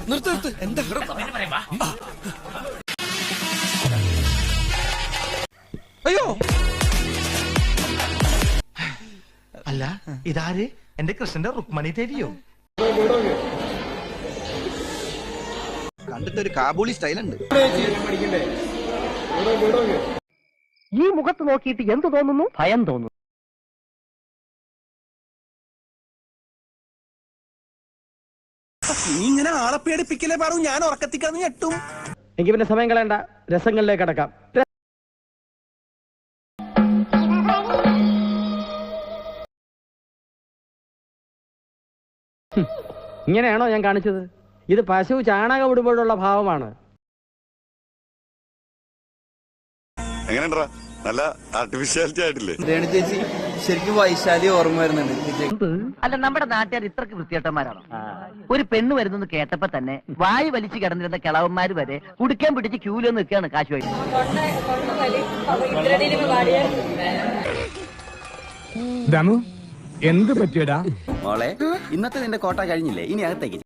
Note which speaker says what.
Speaker 1: നിർത്ത് എന്താ അയ്യോ
Speaker 2: അല്ല ഇതാര് എന്റെ കൃഷ്ണന്റെ റുക്മണി തരിയോ?
Speaker 3: കണ്ടിട്ട് ഒരു കാബൂളി സ്റ്റൈലുണ്ട്.
Speaker 4: ഈ മുഖത്ത് നോക്കിയിട്ട് എന്ത് തോന്നുന്നു? ഭയം തോന്നുന്നു.
Speaker 1: നീ ഇങ്ങനെ ആളെ പേടിപ്പിക്കലേ പറഞ്ഞു, ഞാൻ ഉറക്കത്തിക്കാന്ന് ഞെട്ടും.
Speaker 4: എങ്കിൽ പിന്നെ സമയം കളയണ്ട, രസങ്ങളിലേക്ക് അടക്കാം. ഇങ്ങനെയാണോ ഞാൻ കാണിച്ചത്? ഇത് പശു ചാണകം ഇടുമ്പോഴുള്ള ഭാവമാണ്.
Speaker 5: എങ്ങനെയുണ്ടാ? നല്ല ആർട്ടിഫിഷ്യാലിറ്റി ആയിട്ടില്ലേ?
Speaker 3: രേണു ചേച്ചി ശരിക്കും വൈശാലി ഓർമ്മ വരുന്നുണ്ട്.
Speaker 6: അല്ല, നമ്മുടെ നാട്ടുകാർ ഇത്രക്ക് വൃത്തിയേട്ടന്മാരാണോ? ഒരു പെണ്ണ് വരുന്നെന്ന് കേട്ടപ്പോ തന്നെ വായി വലിച്ചു കിടന്നിരുന്ന കിളവന്മാര് വരെ കുടിക്കാൻ പിടിച്ച് ക്യൂലോ നിൽക്കുകയാണ് കാശുവായി.
Speaker 7: ദമു എന്ത് പറ്റിയടാ
Speaker 3: മോളെ, ഇന്നത്തെ നിന്റെ കോട്ട കഴിഞ്ഞില്ലേ? ഇനി അകത്തേക്ക്